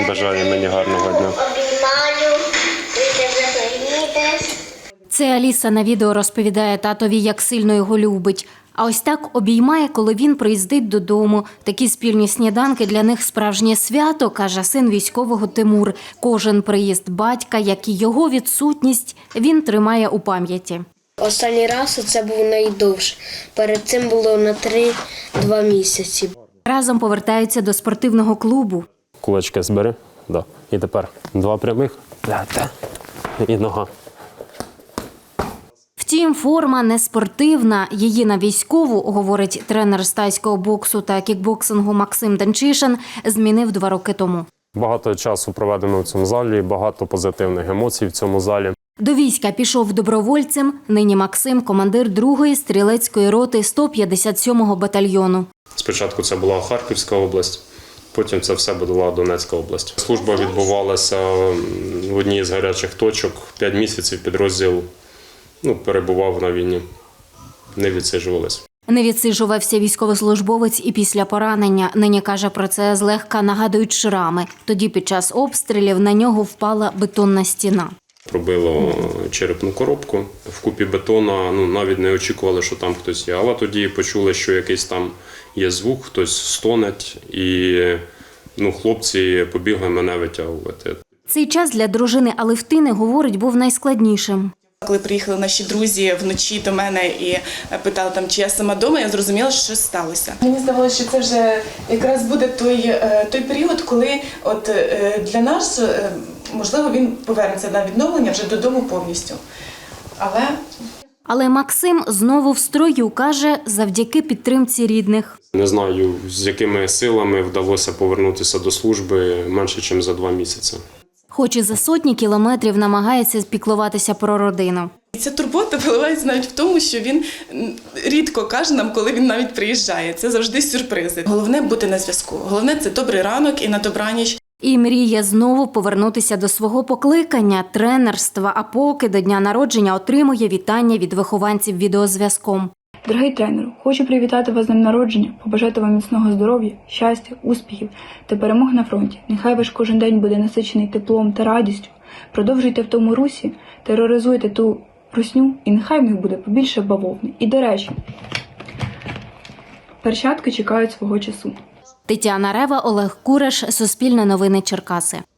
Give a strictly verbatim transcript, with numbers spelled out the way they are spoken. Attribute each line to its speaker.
Speaker 1: бажає мені гарного дня.
Speaker 2: Це Аліса на відео розповідає татові, як сильно його любить. А ось так обіймає, коли він приїздить додому. Такі спільні сніданки для них справжнє свято, каже син військового Тимур. Кожен приїзд батька, як і його відсутність, він тримає у пам'яті.
Speaker 3: Останній раз це був найдовший. Перед цим було на три-два місяці.
Speaker 2: Разом повертаються до спортивного клубу.
Speaker 1: Кулачки збери. Да. І тепер два прямих. І нога.
Speaker 2: Втім, форма не спортивна. Її на військову, говорить тренер з тайського боксу та кікбоксингу Максим Данчишин, змінив два роки тому.
Speaker 1: Багато часу проведено в цьому залі, багато позитивних емоцій в цьому залі.
Speaker 2: До війська пішов добровольцем. Нині Максим – командир другої стрілецької роти сто п'ятдесят сьомого батальйону.
Speaker 1: Спочатку це була Харківська область, потім це все була Донецька область. Служба відбувалася в одній з гарячих точок. П'ять місяців підрозділ ну, перебував на війні, не відсиджувалися.
Speaker 2: Не відсиджувався військовослужбовець і після поранення. Нині каже про це злегка нагадують шрами. Тоді під час обстрілів на нього впала бетонна стіна.
Speaker 1: Пробило черепну коробку. В купі бетона ну, навіть не очікували, що там хтось є. Але тоді почули, що якийсь там є звук, хтось стонеть. І ну, хлопці побігли мене витягувати.
Speaker 2: Цей час для дружини Алевтини, говорить, був найскладнішим.
Speaker 4: Коли приїхали наші друзі вночі до мене і питали, там, чи я сама вдома, я зрозуміла, що щось сталося. Мені здавалося, що це вже якраз буде той, той період, коли от для нас, можливо, він повернеться на відновлення вже додому повністю. Але...
Speaker 2: Але Максим знову в строю, каже, завдяки підтримці рідних.
Speaker 1: Не знаю, з якими силами вдалося повернутися до служби менше, ніж за два місяці.
Speaker 2: Хоч і за сотні кілометрів намагається піклуватися про родину.
Speaker 4: Ця турбота виливається навіть в тому, що він рідко каже нам, коли він навіть приїжджає. Це завжди сюрпризи. Головне – бути на зв'язку. Головне – це добрий ранок і на добраніч.
Speaker 2: І мріє знову повернутися до свого покликання – тренерства, а поки до дня народження отримує вітання від вихованців відеозв'язком.
Speaker 5: Дорогий тренеру, хочу привітати вас з днем народження, побажати вам міцного здоров'я, щастя, успіхів та перемог на фронті. Нехай ваш кожен день буде насичений теплом та радістю. Продовжуйте в тому русі, тероризуйте ту русню, і нехай в них буде побільше бавовни. І, до речі, перчатки чекають свого часу.
Speaker 2: Тетяна Рева, Олег Кураш, Суспільне новини Черкаси.